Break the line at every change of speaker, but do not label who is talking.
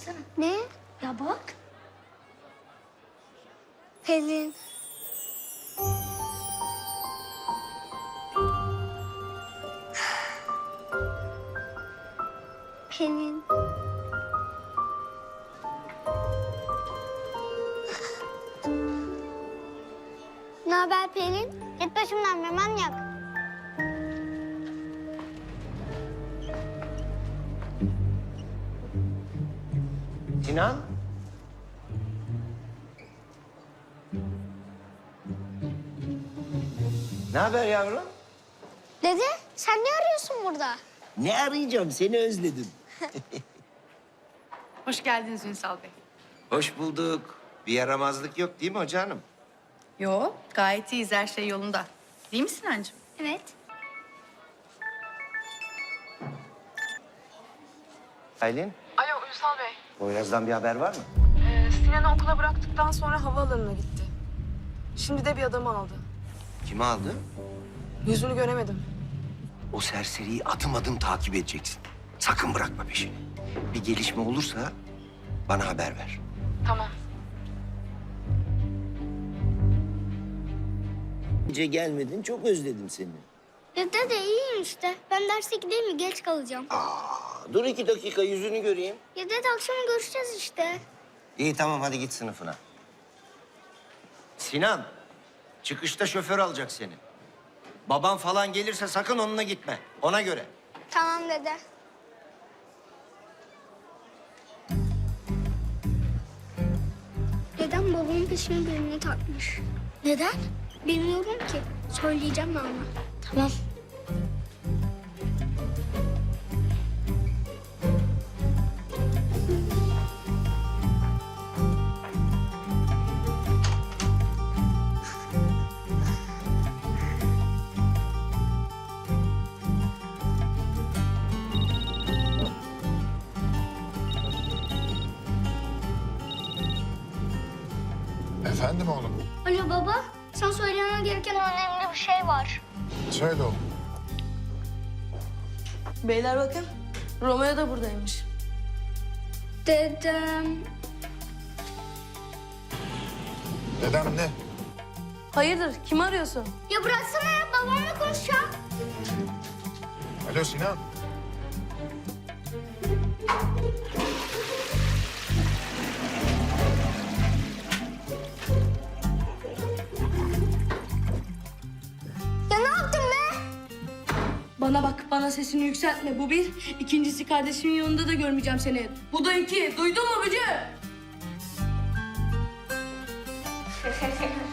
Baksana.
Ne?
Ya bak.
Pelin. Pelin. Ne haber Pelin? Git başımdan be manyak.
Sinan? Ne haber yavrum?
Dede sen ne arıyorsun burada?
Ne arayacağım? Seni özledim.
Hoş geldiniz Ünsal Bey.
Hoş bulduk. Bir yaramazlık yok değil mi hocanım?
Yo, gayet iyiyiz. Her şey yolunda. Değil mi Sinancığım?
Evet.
Aylin,
Alo Ünsal Bey.
Poyraz'dan bir haber var mı?
Sinan'ı okula bıraktıktan sonra havaalanına gitti. Şimdi de bir adamı aldı.
Kimi aldı?
Yüzünü göremedim.
O serseriyi adım adım takip edeceksin. Sakın bırakma peşini. Bir gelişme olursa bana haber ver.
Tamam.
Gece gelmedin, çok özledim seni.
Ya dede iyiyim işte. Ben derse gideyim mi? Geç kalacağım.
Dur 2 dakika, yüzünü göreyim.
Ya dede akşam görüşeceğiz işte.
İyi tamam, hadi git sınıfına. Sinan, çıkışta şoför alacak seni. Baban falan gelirse sakın onunla gitme. Ona göre.
Tamam dede. Dedem babamın peşine birini takmış. Neden? Bilmiyorum ki. Söyleyeceğim ben ona. Tamam.
Efendim oğlum?
Alo baba. Sana söylemem gereken önemli bir şey var.
Söyle oğlum.
Beyler bakın. Romeo da buradaymış.
Dedem.
Dedem ne?
Hayırdır? Kimi arıyorsun?
Ya bıraksana ya. Babamla konuşacağım.
Alo Sinan.
Ya ne yaptın be?
Bana bak, bana sesini yükseltme. Bu bir. İkincisi kardeşimin yanında da görmeyeceğim seni. Bu da iki. Duydun mu Bücü?